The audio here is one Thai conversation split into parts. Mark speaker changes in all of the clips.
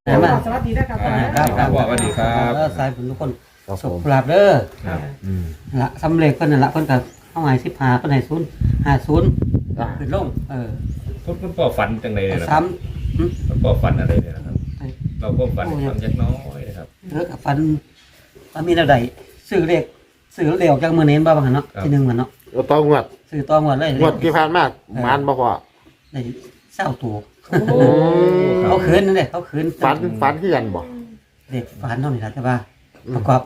Speaker 1: สวัสดีนะครับ
Speaker 2: ครับสวัสดีครับ
Speaker 3: สายบุญทุกคน
Speaker 4: ครับ
Speaker 3: สุ
Speaker 4: ผ
Speaker 3: ข
Speaker 4: ม
Speaker 3: ลาบเด้อ
Speaker 2: ครับ
Speaker 3: ละสำเร็จเพิ่นนั่นละเพิ่นก็เข้าหมาย15เพิ่นให้050
Speaker 4: อ่า
Speaker 3: ขึ้นลง
Speaker 2: คุณพ่อฝันจังเลยนะค
Speaker 3: ซ้
Speaker 2: รับคุณพ่อฝันอะไรเนี่ยนะครับ
Speaker 3: ำ
Speaker 2: เราก็ฝันฟังยักน้อยนะครับ
Speaker 3: กับฟันว่ามีแนวใดซื้อเลขออกจากมื้อนี้บ่ว่าหั่นเนาะที่1มันเนาะ
Speaker 4: เราต้องงวด
Speaker 3: ซื้อต่องวดเลย
Speaker 4: งวดที่ผ่านมากมันบ่พอ
Speaker 3: ได้20ตัว
Speaker 1: โอ้
Speaker 3: เขาคืนนั่นแหละเขาคืน
Speaker 4: ฝันคือกันบ่
Speaker 3: เลขฝันเท่านี้ล่ะแต่ว่าประกอบ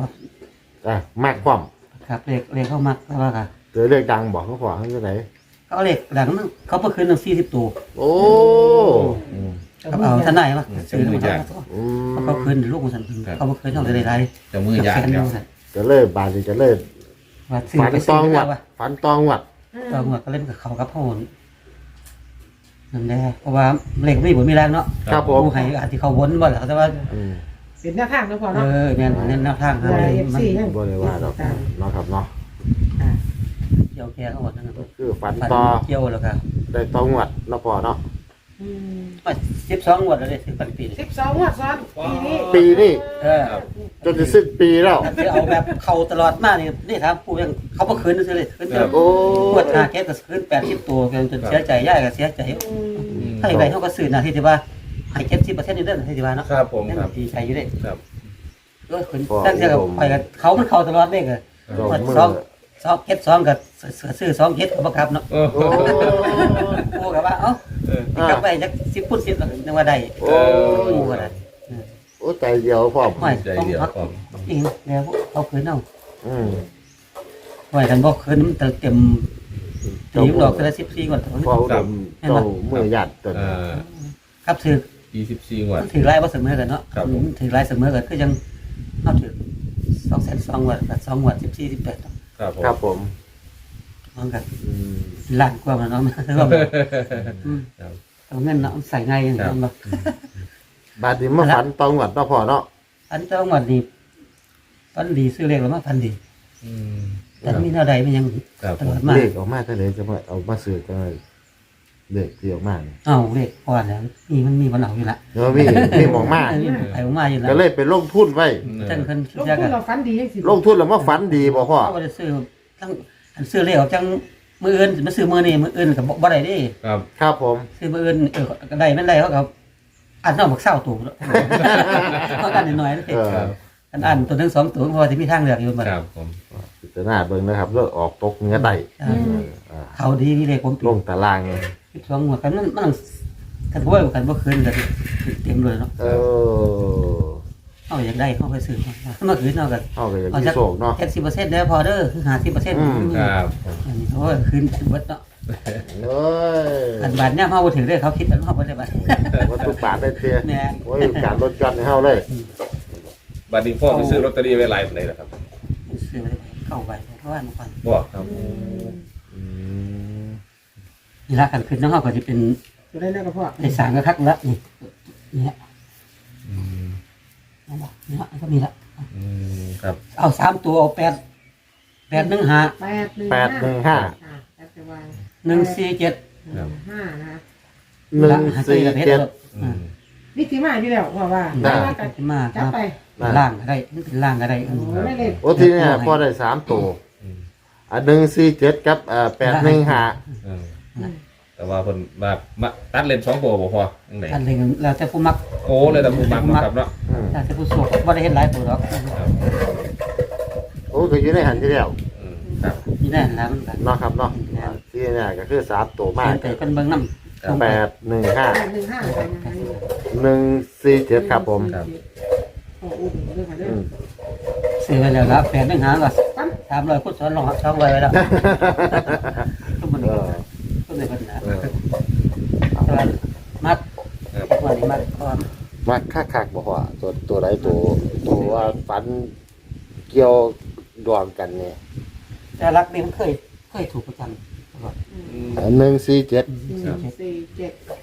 Speaker 4: มากความ
Speaker 3: ครับเลขเข้ามักแต่ว่าก็
Speaker 4: เจอเลขดังบอกเขาขวางที่ไหน
Speaker 3: เขาเอาเลขหลังนึงเขาบ่คืนถึง40ตัว
Speaker 4: โอ้
Speaker 3: ครับเอาท่านไหนมาซื้อมา
Speaker 4: อืม
Speaker 3: เขาคืนลูกของฉันเขาบ่คืนเท่าไหร่ได้
Speaker 2: จะมือยาก
Speaker 3: แสน
Speaker 2: เดี
Speaker 3: นึ
Speaker 2: ยว
Speaker 3: งซั่น
Speaker 4: จะเลิกบาดจะเลิก
Speaker 3: ว่าซื้อ
Speaker 4: ฝัน
Speaker 3: ไป
Speaker 4: ต
Speaker 3: ซื้
Speaker 4: อ
Speaker 3: อง
Speaker 4: งว
Speaker 3: ว่า
Speaker 4: ดฝันตองวด
Speaker 3: ต่องวดก็เล่นกับเขากับพ่อนั่นแหละเพราะว่าเลขไม่บ่มีแรงเนาะ
Speaker 4: ครับผม
Speaker 3: ผู้ให้อาจสิเขาวนบ่ล่ะแต่ว่า
Speaker 4: อืม
Speaker 1: เป็นหน้าทางนะพ่อ
Speaker 3: เอ
Speaker 1: เนาะ
Speaker 3: อแม่นแนวทางครับ
Speaker 1: FC ยัง
Speaker 4: บ่ได้ว่าดอกเนาะครับเนาะ
Speaker 3: เกี่ยวแก่เขาหมดนั่นน่ะ
Speaker 4: คือฝัน
Speaker 3: ฝัน
Speaker 4: ต่อ
Speaker 3: เกี่ยวแล้วก็
Speaker 4: ได้ตองวดเนาะพอเนาะ
Speaker 3: ว่า12งวดแล้วได้ซื้อปันปีนี่
Speaker 1: 12งวดซ้อนปีนี้
Speaker 4: ปีนี้
Speaker 3: เออ
Speaker 4: จนจะสิ้นปีแล้ว
Speaker 3: ถ้าสิเอาแบบเข้าตลอดมานี่ถามผู้ยังเขาบ่คืนซื่อเลยคืน
Speaker 4: โอ้
Speaker 3: งวด5เก็บก็คืน80ตัวจนเสียใจย่ายก็เสียใจ ถ้าอย่างไรเขาก็ซื้อนะที่ว่าให้เก็บ10%นี่เด้อที่ว่าเนาะ
Speaker 2: ครับผม
Speaker 3: นั่น
Speaker 2: ครับ
Speaker 3: ดีใจอยู่เด้
Speaker 2: ครับ
Speaker 3: ก็ขึ้นตั้งแต่กับไปกับเขามันเข้าตลอดเด้ก็
Speaker 4: ดอกมือ
Speaker 3: 2เก็บ2กับซื้อ2เก็บก็บ่กลับเนาะ
Speaker 2: โอ้โห
Speaker 3: โอ้ก็ว่าเอ้ากลับไปจัก10พุ่น10แล้วนึกว่าได้
Speaker 4: โอ้
Speaker 3: โอ้ก็ได้
Speaker 4: โอ้ใจเดียวพร้อม
Speaker 3: ห้อย
Speaker 2: ใจเดียวพร้อม
Speaker 3: อีกแล้วเอาคืนเอา
Speaker 4: อืม
Speaker 3: ห้อยกันบ่คืนมันเต็มตีดอกละ14กว่า
Speaker 4: พออุดมเจ้ามือหยัดตัว
Speaker 3: ครับถือ
Speaker 2: 24งวด
Speaker 3: ถือลายบ่เสมอกันเนาะ
Speaker 2: ครับผม
Speaker 3: ถือลายเสมอกันคือยังเอาถือ200,002วัดกับ2วัด14 18
Speaker 2: ครับผม
Speaker 4: ครับผม
Speaker 3: มันก็
Speaker 4: อืม
Speaker 3: ล้านกว่ามันเนาะคือว่า
Speaker 2: ครับ
Speaker 3: เอาเงินเนาะใส่ง่ายอย่างนั้นบ่
Speaker 4: บาดนี้มาฝันตองวดเนาะพอเนาะ
Speaker 3: อันเจ้าวัดนี่ฟันดีซื้อเลขแล้วมาฟันดี
Speaker 2: อืม
Speaker 3: แต่มีแนวใดมันยัง
Speaker 2: ครับ
Speaker 3: ต
Speaker 2: ผม
Speaker 3: ลอดมา
Speaker 4: เลขออกมาเท่าไหร่จะมาเอามาซื้อกันเลขที่ออกมาเนี่ย
Speaker 3: เอาเลขก่อนแล้วมันมีบ่เอาอยู่ละ
Speaker 4: แล้วมีหมองมา
Speaker 3: มีไปออกมาอยู่ละ
Speaker 4: ก็เลยไปลงทุนไว้
Speaker 3: จังเพิ่น
Speaker 1: ลง
Speaker 3: เสีย
Speaker 1: ทุ
Speaker 3: กัน น
Speaker 1: เราฝันดียังสิ
Speaker 4: ลงทุนแล้วมาฝันดีบ่พ่อ
Speaker 3: เขาบ่ได้ซื้อทั้งอันซื้อเลขออกจังมื้ออื่นมาซื้อมื้อนี้มื้ออื่นก็บ่ได้เด้
Speaker 2: ครับ
Speaker 4: ครับผม
Speaker 3: ซื้อมื้ออื่นก็ได้แม่นได้เขาก็อันเอาบัก20ตัวเนาะเขากันน้อยๆเด้
Speaker 4: เออ
Speaker 3: อันตัวหนึง2ตัวเพราะว่าสิมีทางเลือกอยู่บัด
Speaker 2: ครับผม
Speaker 4: พิจารณาเบิ่งนะครับเลิกออกตกเงี้ยได้
Speaker 3: เขาดีนี่เลขผม
Speaker 4: ลงตารางไง
Speaker 3: 12หัวกันมันกันบ่กันบ่คืนก็เต็มเลยเนาะ
Speaker 4: เออ
Speaker 3: เอาอยากได้เขาไปซื้อมาคืนเอาก็
Speaker 4: เอาก็อย่างที่โศกเนาะ
Speaker 3: 70%แล้วพอเด้อคือ50%
Speaker 2: ครับผม
Speaker 3: อันนี้โอ้ยคืนเบิดเนาะ
Speaker 4: เอ้ย
Speaker 3: อันบาทเนี่ยเฮาบ่ถึงเลยเขาคิดอันเฮาบ่ได้บาท
Speaker 4: วัตถุบาทได้เตี้ย
Speaker 3: แม่
Speaker 4: โอ้ยการลดกันให้เฮาเลย
Speaker 2: บัดนี้พ่อไปซื้อลอตเตอรี่ไว้หลายปานใดล่ะครับ
Speaker 3: ซื้อไปเข้าไปเพราะว่ามันก่อน
Speaker 2: บ่ครับ
Speaker 4: อืม
Speaker 3: นี่ละกันขึ้นน้องเฮาก็สิเป็น
Speaker 1: จะได้แล้วก็พ่อ
Speaker 3: ได้สร้างก็คักละนี่เนี่ย
Speaker 2: อืม
Speaker 3: นั่นล่ะนี่ละก็มีละ
Speaker 2: อืมครับ
Speaker 3: เอา3ตัวเอา8 815
Speaker 1: 815แล้วจะวาง
Speaker 3: 147
Speaker 1: 5นะ
Speaker 4: 147
Speaker 2: อืม
Speaker 1: นี่สิมาอยู่แล้วพ่อว่า
Speaker 4: ได้
Speaker 1: ว่ากัน
Speaker 3: ขึ้นมาค
Speaker 1: จั
Speaker 3: รั
Speaker 1: บบ ไป
Speaker 3: ล่างก็ได้มันเป็นล่างก็ได้
Speaker 1: โอ้ไม่เล่น
Speaker 4: โอ้ทีเนี่ยพอได้3ตัว
Speaker 2: อืม
Speaker 4: 147กับ815
Speaker 2: เออแต่ว่าเพิ่นมาตัดเลน2ตัวบ่พอจังได๋
Speaker 3: อันเรื่องแล้วแต่ผู้มัก
Speaker 2: โอ้เลยแต่ผู้มักเนาะครับเนาะ
Speaker 4: อืม
Speaker 3: แล้วแต่ผู้โชคบ่ได้เฮ็ดหลายตัวหรอก
Speaker 2: ครับ
Speaker 4: โอ้ก็อยู่ในหันที่แล้ว
Speaker 2: อืมครับ
Speaker 3: นี่แน่แล้วมันก็
Speaker 4: เนาะครับเนาะที่เนี่ยก็คือ3ตัวมาก
Speaker 3: เพิ่นไปเพิ่นเบิ่งนำ
Speaker 4: 815 147ครับผม
Speaker 2: ครับ
Speaker 1: โอ้โหเรื่องมาเด้อ
Speaker 3: ซื้อไว้แล้วละ815ก็
Speaker 1: ปั้น
Speaker 3: 300พุทธสอนลง200ไว้แล้วทุกมัน
Speaker 4: เออ
Speaker 3: ก็เลยเพิ่นนะ
Speaker 4: เออ
Speaker 3: แต่ว่ามัด
Speaker 2: ครับ
Speaker 3: ว่านี่มัดก่อน
Speaker 4: มาคักๆบอกว่าตัวใดตัวว่าฝันเกี่ยวดวงกันเนี่ย
Speaker 3: แต่รักนี่มันเคยถูกประจำตลอด
Speaker 2: อืม
Speaker 4: 147
Speaker 1: 147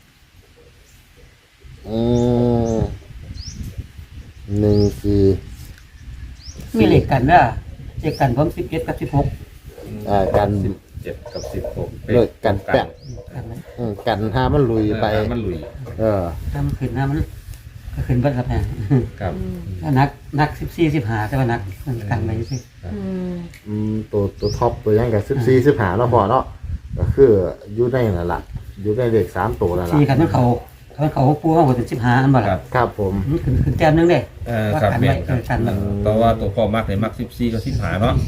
Speaker 4: อืม14
Speaker 3: มีเลขกันเด้อเลขกันผม17กับ16
Speaker 4: กัน
Speaker 2: 17กับ16
Speaker 4: เลิกกันแปะ
Speaker 3: กันนะ
Speaker 4: กันหามันลุยไป
Speaker 2: มันลุย
Speaker 4: เออ
Speaker 3: ถ้ามันขึ้นนะมันก็ขึ้นเบิดครับเนี่ย
Speaker 2: ครับ
Speaker 3: ถ้านัก14-15แต่ว่านักมันกันไปสิ
Speaker 4: ตัวท็อปตัวยังกับ14-15เนาะพอเนาะก็คืออยู่ในนั่นล่ะอยู่ในเลข3ตัวนั่นล่ะ
Speaker 3: สี่คันมันเขาปูว่าเป็น15อันบ่
Speaker 2: ครั
Speaker 3: ล่ะ
Speaker 2: บ
Speaker 4: ครับผม
Speaker 3: มันขึ้นแต้มนึงเด้ ว่า
Speaker 2: ครับ
Speaker 3: กัน
Speaker 2: แม่
Speaker 3: ไว้
Speaker 2: นครับ
Speaker 3: กันไว้
Speaker 2: เพราะว่าตัวพ่อมักเนี่ยมัก14กับ15เนาะ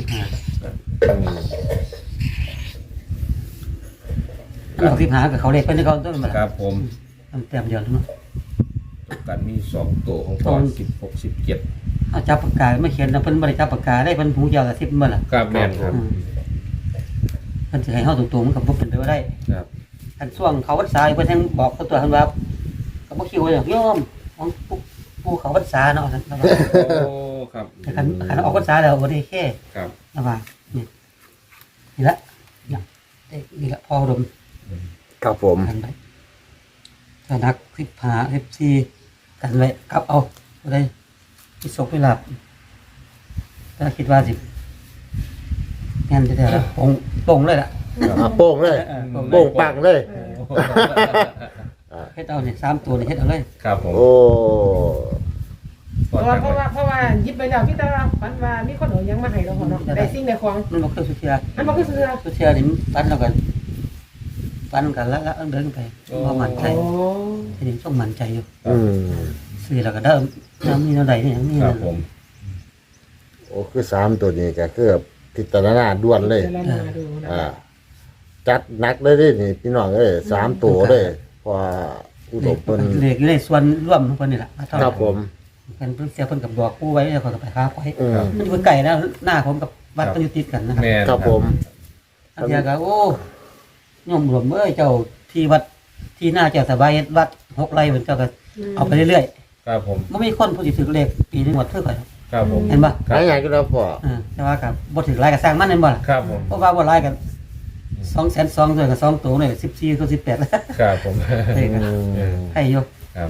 Speaker 3: มันออก15กับเขาเลขเป็นเขาต้นบ่
Speaker 2: ค
Speaker 3: ล่ะ
Speaker 2: รับผม
Speaker 3: มันแต้มเดียวเนาะ
Speaker 2: กันมี2ตัวของพ่อ16 17
Speaker 3: เอาจับปากกาไม่เขียนนะเพิ่นบ่ได้จับปากกาได้เพิ่นหูยาวกระซิบบ่ล่ะ
Speaker 2: ครับแม่นครับ
Speaker 3: เพิ่นสิให้เฮาตรงๆมันก็บ่เป็นไปบ่ได้
Speaker 2: ครับ
Speaker 3: อันช่วงเขาพรรษาเพิ่นแทงบอกเขาตัวเพิ่นว่าก็บ่คิดว่าอย่างโยมของปู่เขาพรรษาเนาะนั่นว่า
Speaker 2: โอ้ครับ
Speaker 3: แต่คันออกพรรษาแล้วบ่ได้แค่
Speaker 2: ครับ
Speaker 3: นะว่านี่ละนี่ละพอดม
Speaker 4: ครับผม
Speaker 3: กันไปถ้านัก15 14กันไว้กลับเอาบ่ได้สิสกไปหลับถ้าคิดว่าสิแม่นแท้ๆแล้วปงเลยล่ะ
Speaker 4: โป่งเลยโป่งปังเลย
Speaker 3: เฮ็ดเอานี่3ตัวนี่เฮ็ดเอาเลย
Speaker 2: ครับผม
Speaker 4: โอ้
Speaker 1: เพราะว่ายิบไปแล้วพี่ตาฝันว่ามีคนเอายังมาให้เราเนาะได้สิ่งในของ
Speaker 3: มันบ่เคยสุเทีย
Speaker 1: อันมันก็เสือ
Speaker 3: สุเทียนี่ปันแล้วกันปันกันแล้วเดินไปบ่มั่นใจ
Speaker 1: โอ้
Speaker 3: ทีนี้ต้องมั่นใจอยู่
Speaker 4: อืม
Speaker 3: ซื้อแล้วก็เดิมน้ำมีเท่าใดนี่ยังมี
Speaker 2: ครับผม
Speaker 4: โอ้คือ3ตัวนี้ก็คือพิจารณาด่วนเลย
Speaker 1: เดี๋ยวเรามาดูนะ
Speaker 4: จัดหนักเลยดินี่พี่น้องเอ้ย3ตัวเลยพออุดมเพิ่น
Speaker 3: เลขอยู่ในส่วนร่วมของเพิ่นนี่ล่ะ
Speaker 4: ครับผม
Speaker 3: เพิ่นเสียเพิ่นกับบอกผู้ไว้แล้วก็ไปหาไว้
Speaker 4: อืม
Speaker 3: มันอยู่ไกลนะหน้าผมกับวัดก็อยู่ติดกันนะครับ
Speaker 2: แม่น
Speaker 4: ครับผม
Speaker 3: อันเดียวก็โอ้ยมรวมเอ้ยเจ้าที่วัดที่หน้าเจ้าสบายวัด6ไร่เพิ่นเจ้าก็เอาไปเรื่อย
Speaker 2: ครับผม
Speaker 3: ๆบ่มีคนผู้สิถือเลขปีนึงหมดเท่ากัน
Speaker 2: ครับผม
Speaker 3: เห็นบ่
Speaker 4: หลายอย่างก็แล้วพอ
Speaker 3: แต่ว่าก็บ่ถือหลายก็สร้างมันแม่นบ่ล่ะ
Speaker 2: ครับผม
Speaker 3: เพราะว่าบ่หลายกัน200,002ด้วยกับ2ตัวนี่14ก็18แล้ว
Speaker 2: ครับผม
Speaker 3: เฮ้ยก็ให้อยู่
Speaker 2: ครับ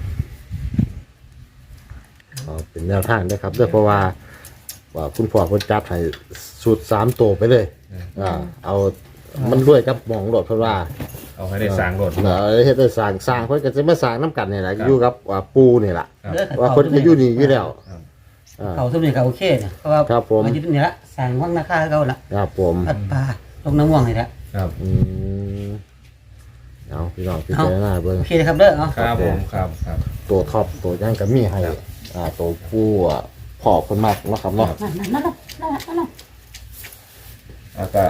Speaker 4: เอาเป็นแนวทางด้วยครับด้วยเพราะว่าคุณพ่อคนจับให้สูตร3ตัวไปเลยเอามันด้วยกับหมองโดดเพราะว่า
Speaker 2: เอาให้ได้สร้างรถ
Speaker 4: เฮ็ดได้สร้างเพิ่นก็จะมาสร้างน้ำกันนี่แหละอยู่กับปูนี่ล่ะ
Speaker 2: ครับ
Speaker 4: ว่าเพิ่นก็อยู่นี่อยู่แล้ว
Speaker 2: ครับ
Speaker 3: เขาซุมนี่ก็โอเคเนี่ยเพราะว่า
Speaker 4: ครับผม
Speaker 3: มาอยู่นี่ละสร้างวังนาคาเก่าละ
Speaker 4: ครับผม
Speaker 3: วัดป่าลงน้ำม่วงนี่ละ
Speaker 2: ครับ
Speaker 4: อืมเอาพี่น้องพี่เจ้าหน้าเบิ่ง
Speaker 3: โอเคนะครับเด้อเอา
Speaker 2: ครับผมครับครับ
Speaker 4: ตัวท็อปตัวยังก็มีให้ตัวผู้พอคนมากเนาะครับเนาะ
Speaker 3: นั่นๆ
Speaker 2: แล้วก็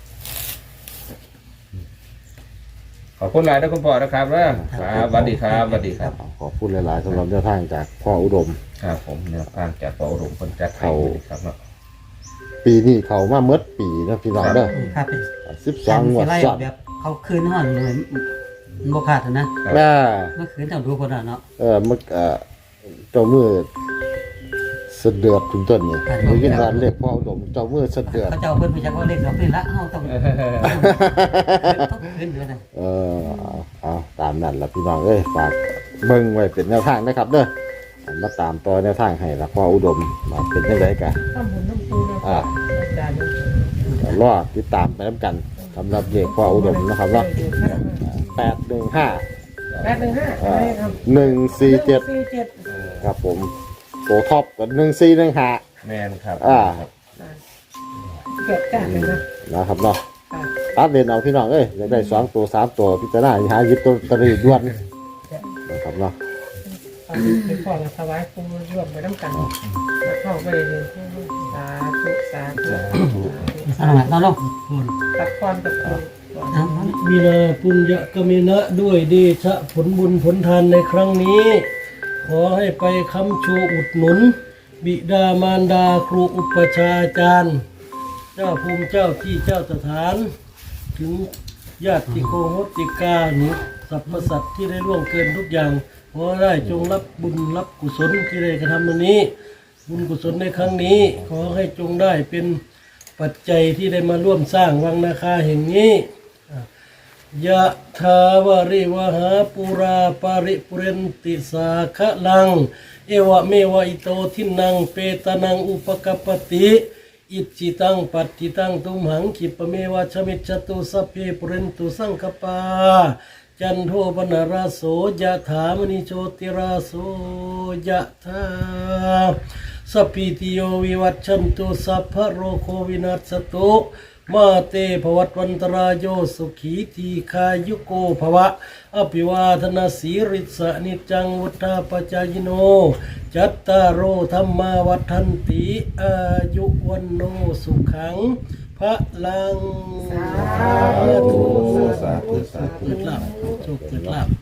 Speaker 2: ขอบคุณหลายนะคุณพ่อนะครับครับสวัสดีครับสวัสดีครับ
Speaker 4: ขอพูดหลายๆสำหรับแนวทางจากพ่ออุดม
Speaker 2: ครับผมเนี่ยทางจากปอรุมคนจัดให้ครับเนาะ
Speaker 4: ปีนี้เขามาเมดปีนะพี่น้องเด้อ
Speaker 3: ครับ
Speaker 4: 12งวด
Speaker 3: ไล่
Speaker 4: ซ้อน
Speaker 3: แบบเขาคืนห่อนเลยมันบ่ขาดนะ
Speaker 4: แม่
Speaker 3: เมื่อคืนเท่าดูคนเนาะ
Speaker 4: มึกเจ้ามือเสะเดือดถึงต้นนี่ได้ยินว่าเรียกพ่ออุดมเจ้ามือเสะเดือด
Speaker 3: เขาเจ้าเพิ่นไปจักว่าเลขดอกนี่ละเฮาต้องคืนด้วยนะ
Speaker 4: เอาตามนั้นล่ะพี่น้องเอ้ยฝากเบิ่งไว้เป็นแนวทางนะครับเด้อมาตามต่อแนวทางให้ละพ่ออุดมมาเป็นจังไดกัน
Speaker 1: ทำบุญน้ำปูนะอาจารย์
Speaker 4: รอติดตามไปน้ำกันสำหรับเด็กพ่ออุดมนะครับเนาะ815
Speaker 1: 815อะไรครับ
Speaker 4: 147ครับผมตัวท็อปกับ1415
Speaker 2: แมนครับ
Speaker 1: เกิดจากเลยนะ
Speaker 4: นะครับเนาะตัดเล่นเอาพี่น้องเอ้ยอยากได้2ตัว3ตัวพิจารณาหาหยิบตัวตะลีด่วนนะครับเนาะ
Speaker 1: เป็นพ่อมาถวายปูรวมไปน้ำกันเข้าไปเลยสาธุสาธุ
Speaker 3: สร้างเราลง
Speaker 1: ตักความตักปู
Speaker 5: มีนาปุญญกมินะด้วยเดชะผลบุญผลทานในครั้งนี้ ขอให้ไปค้ำชูอุดหนุน บิดามารดาครูอุปชฌาย์อาจารย์ เจ้าภูมิเจ้าที่เจ้าสถาน ถึงญาติโกโหติกาหรือสรรพสัตว์ที่ได้ล่วงเกินทุกอย่าง ขอได้จงรับบุญรับกุศลที่ได้กระทำวันนี้ บุญกุศลในครั้งนี้ ขอให้จงได้เป็นปัจจัยที่ได้มาร่วมสร้างวังนาคาแห่งนี้ยะทาวาริวหาปุราปาริปุเรนติสาคะลัง เอวะเมวะอิโตทินังเปตานังอุปกปปติอิจิตังปัตติตังตุมหังขิปะเมวะชมิจจตุสัพเพปุเรนตุสังคปาจันโทปนราโสยะถามณิโชติราโสยะถาสัพพิติโยวิวัชชันตุสัพพะโรโควินัสสตุมาเตภวัตวันตรายโยสุขีทีคายุโกภวะอภิวาทนาสีริสะนิจังวุฒาปจายโนจัตตารโอธรรมาวัฏันติอายุวันโนสุขังพระลังสาธุ
Speaker 2: สาธุสาธุ
Speaker 5: เกิดลาภโชคเกิดลาภ